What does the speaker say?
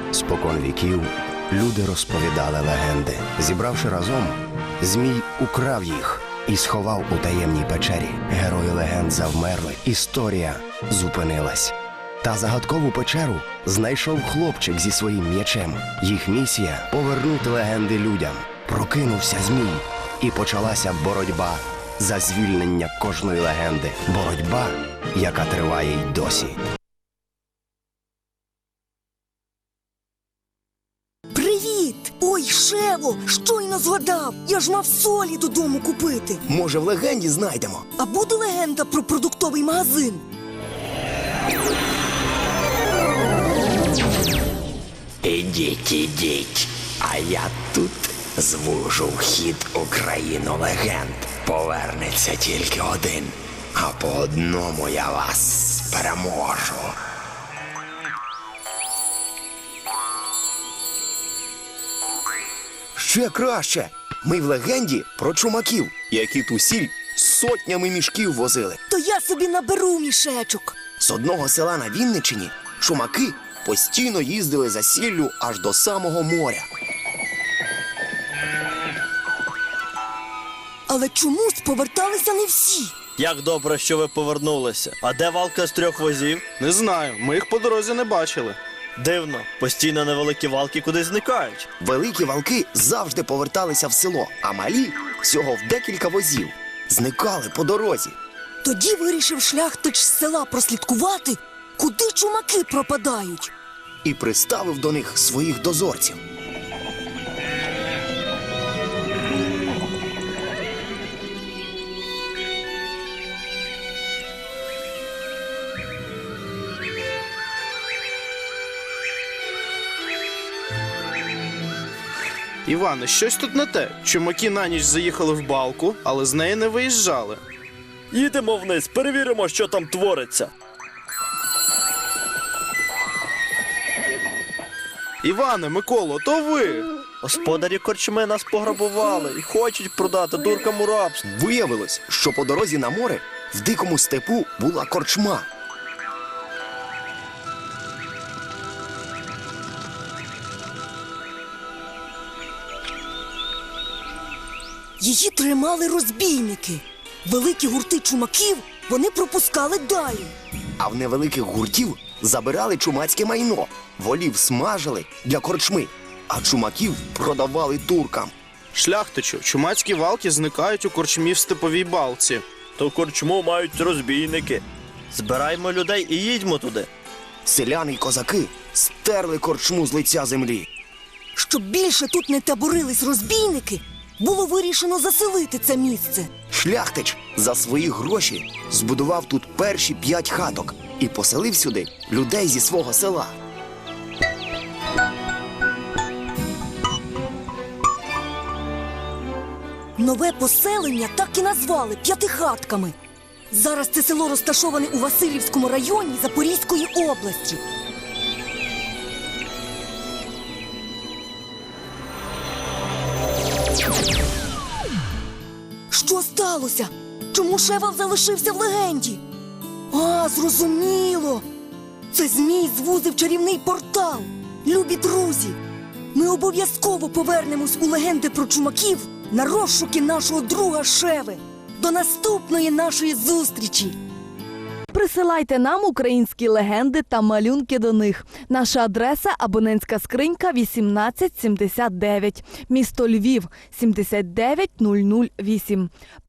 Спокон віків люди розповідали легенди. Зібравши разом, Змій украв їх і сховав у таємній печері. Герої легенд завмерли, історія зупинилась. Та загадкову печеру знайшов хлопчик зі своїм м'ячем. Їх місія – повернути легенди людям. Прокинувся Змій, і почалася боротьба за звільнення кожної легенди. Боротьба, яка триває й досі. Привіт! Ой, Шево, щойно згадав! Я ж мав солі додому купити. Може, в легенді знайдемо? А буде легенда про продуктовий магазин? Ідіть, а я тут звужу вхід у країну легенд. Повернеться тільки один, а по одному я вас переможу. Ще краще! Ми в легенді про чумаків, які ту сіль сотнями мішків возили. То я собі наберу мішечок. З одного села на Вінниччині чумаки постійно їздили за сіллю аж до самого моря. Але чомусь поверталися не всі. Як добре, що ви повернулися. А де валка з 3 возів? Не знаю, ми їх по дорозі не бачили. Дивно, постійно невеликі валки кудись зникають. Великі валки завжди поверталися в село, а малі всього в декілька возів зникали по дорозі. Тоді вирішив шляхтич з села прослідкувати, куди чумаки пропадають. І приставив до них своїх дозорців. Іване, щось тут не те. Чумаки на ніч заїхали в балку, але з неї не виїжджали. Їдемо вниз, перевіримо, що там твориться. Іване, Миколо, то ви! Господарі корчми нас пограбували і хочуть продати дуркам у рабство. Виявилось, що по дорозі на море в дикому степу була корчма. Її тримали розбійники. Великі гурти чумаків вони пропускали далі. А в невеликих гуртів забирали чумацьке майно. Волів смажили для корчми, а чумаків продавали туркам. Шляхтичу, чумацькі валки зникають у корчмі в степовій балці. То корчму мають розбійники. Збираймо людей і їдьмо туди. Селяни й козаки стерли корчму з лиця землі. Щоб більше тут не таборились розбійники, було вирішено заселити це місце. Шляхтич за свої гроші збудував тут перші 5 хаток і поселив сюди людей зі свого села. Нове поселення так і назвали П'ятихатками. Зараз це село розташоване у Василівському районі Запорізької області. Що сталося? Чому Шевал залишився в легенді? А, зрозуміло! Це Змій звузив чарівний портал. Любі друзі, ми обов'язково повернемось у легенди про чумаків на розшуки нашого друга Шеви. До наступної нашої зустрічі! Присилайте нам українські легенди та малюнки до них. Наша адреса – абонентська скринька 1879, місто Львів, 79008.